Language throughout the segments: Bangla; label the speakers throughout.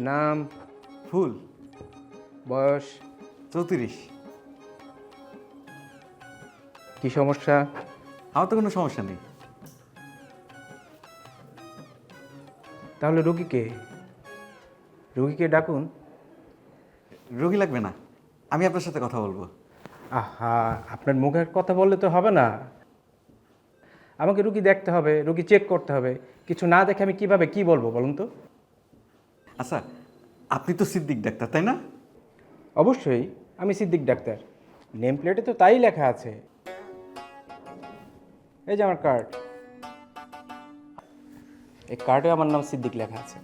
Speaker 1: নাম?
Speaker 2: ফুল।
Speaker 1: বয়স?
Speaker 2: 34।
Speaker 1: কি সমস্যা?
Speaker 2: আমার তো কোনো সমস্যা নেই।
Speaker 1: তাহলে রোগীকে ডাকুন।
Speaker 2: রোগী লাগবে না, আমি আপনার সাথে কথা বলবো।
Speaker 1: আহা, আপনার মুখের কথা বললে তো হবে না। আমাকে রুগী দেখতে হবে, রুগী চেক করতে হবে। কিছু না দেখে আমি কিভাবে কি বলবো বলুন তো?
Speaker 2: আচ্ছা, আপনি তো সিদ্দিক ডাক্তার, তাই না?
Speaker 1: অবশ্যই, আমি সিদ্দিক ডাক্তার। নেম প্লেটে তো তাই লেখা আছে। এই যে আমার কার্ড, এই কার্ডে আমার নাম সিদ্দিক লেখা আছে।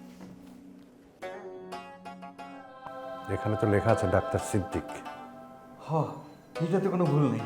Speaker 3: এখানে তো লেখা আছে ডাক্তার সিদ্দিক।
Speaker 2: এটাতে কোনো ভুল নেই।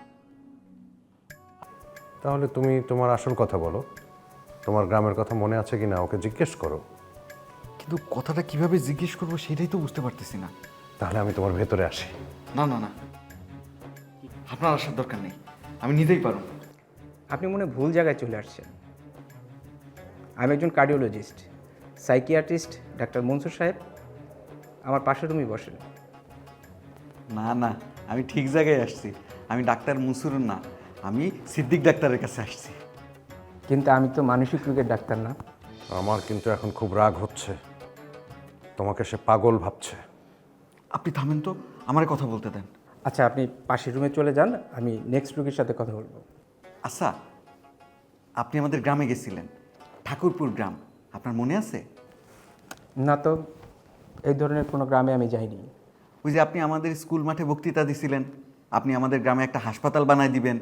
Speaker 3: তাহলে তুমি তোমার আসল কথা বলো। তোমার গ্রামের কথা মনে আছে কি না ওকে জিজ্ঞেস করো।
Speaker 2: কিন্তু কথাটা কিভাবে জিজ্ঞেস করবো সেটাই তো বুঝতে পারতেছি না।
Speaker 3: তাহলে আমি তোমার ভেতরে আসি।
Speaker 2: না না না, আপনার আসার দরকার নেই, আমি নিতেই পারবো।
Speaker 1: আপনি মনে হয় ভুল জায়গায় চলে আসছেন। আমি একজন কার্ডিওলজিস্ট, সাইকিয়াট্রিস্ট ডাক্তার মনসুর সাহেব আমার পাশের রুমই বসেন।
Speaker 2: না না, আমি ঠিক জায়গায় আসছি। আমি ডাক্তার মনসুর না, আমি সিদ্দিক ডাক্তারের কাছে আসছি।
Speaker 1: কিন্তু আমি তো মানসিক রোগের ডাক্তার না।
Speaker 3: আমার কিন্তু এখন খুব রাগ হচ্ছে। তোমাকে সে পাগল ভাবছে।
Speaker 2: আপনি থামেন তো, আমার কথা বলতে দেন।
Speaker 1: আচ্ছা, আপনি পাশের রুমে চলে যান, আমি নেক্সট রোগীর সাথে কথা বলবো।
Speaker 2: আচ্ছা, আপনি আমাদের গ্রামে গেছিলেন, ঠাকুরপুর গ্রাম, আপনার মনে আছে?
Speaker 1: না তো, এই ধরনের কোনো গ্রামে আমি যাইনি।
Speaker 2: ওই যে আপনি আমাদের স্কুল মাঠে বক্তৃতা দিছিলেন, আপনি আমাদের গ্রামে একটা হাসপাতাল বানায় দিবেন।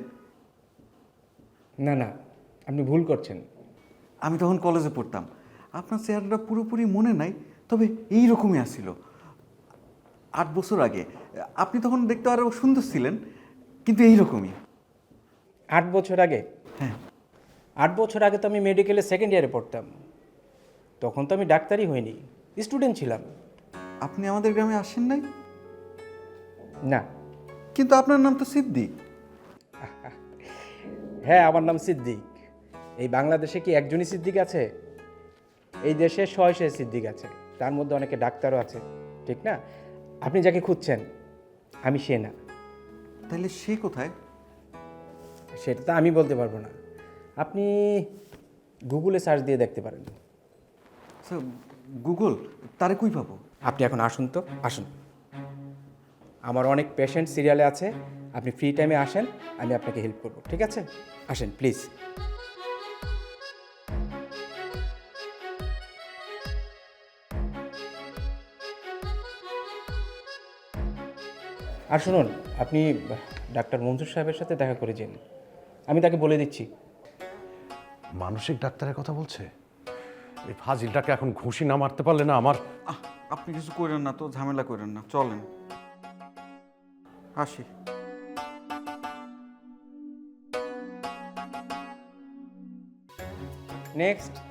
Speaker 1: না না, আপনি ভুল করছেন।
Speaker 2: আমি তখন কলেজে পড়তাম। আপনার চেহারাটা পুরোপুরি মনে নাই, তবে এই রকমই আসছিল 8 বছর আগে। আপনি তখন দেখতে আরও সুন্দর ছিলেন, কিন্তু এই রকমই।
Speaker 1: 8 বছর আগে?
Speaker 2: হ্যাঁ।
Speaker 1: 8 বছর আগে তো আমি মেডিকেলে সেকেন্ড ইয়ারে পড়তাম। তখন তো আমি ডাক্তারই হইনি, স্টুডেন্ট ছিলাম।
Speaker 2: আপনি আমাদের গ্রামে আসেন নাই?
Speaker 1: না।
Speaker 2: কিন্তু আপনার নাম তো সিদ্দিক।
Speaker 1: হ্যাঁ, আমার নাম সিদ্দিক। এই বাংলাদেশে কি একজনই সিদ্দিক আছে? এই দেশে শয়ে সিদ্দিক আছে, তার মধ্যে অনেকে ডাক্তারও আছে, ঠিক না? আপনি যাকে খুঁজছেন আমি সে না।
Speaker 2: তাহলে সে কোথায়?
Speaker 1: সেটা তো আমি বলতে পারবো না। আপনি গুগলে সার্চ দিয়ে দেখতে পারেন।
Speaker 2: স্যার, গুগল তারে কই পাবো?
Speaker 1: আপনি এখন আসুন তো, আসুন। আমার অনেক পেশেন্ট সিরিয়ালে আছে, আপনি ফ্রি টাইমে আসেন, আমি আপনাকে হেল্প করব, ঠিক আছে? আসেন প্লিজ। আর শুনুন, আপনি ডাক্তার মনসুর সাহেবের সাথে দেখা করে যান, আমি তাকে বলে দিচ্ছি।
Speaker 3: মানসিক ডাক্তারের কথা বলছে। এই ফাজিলটাকে এখন ঘুষি না মারতে পারলে না আমার।
Speaker 2: আপনি কিছু করেন না তো, ঝামেলা করেন না, চলেন আসি।
Speaker 1: নেক্সট।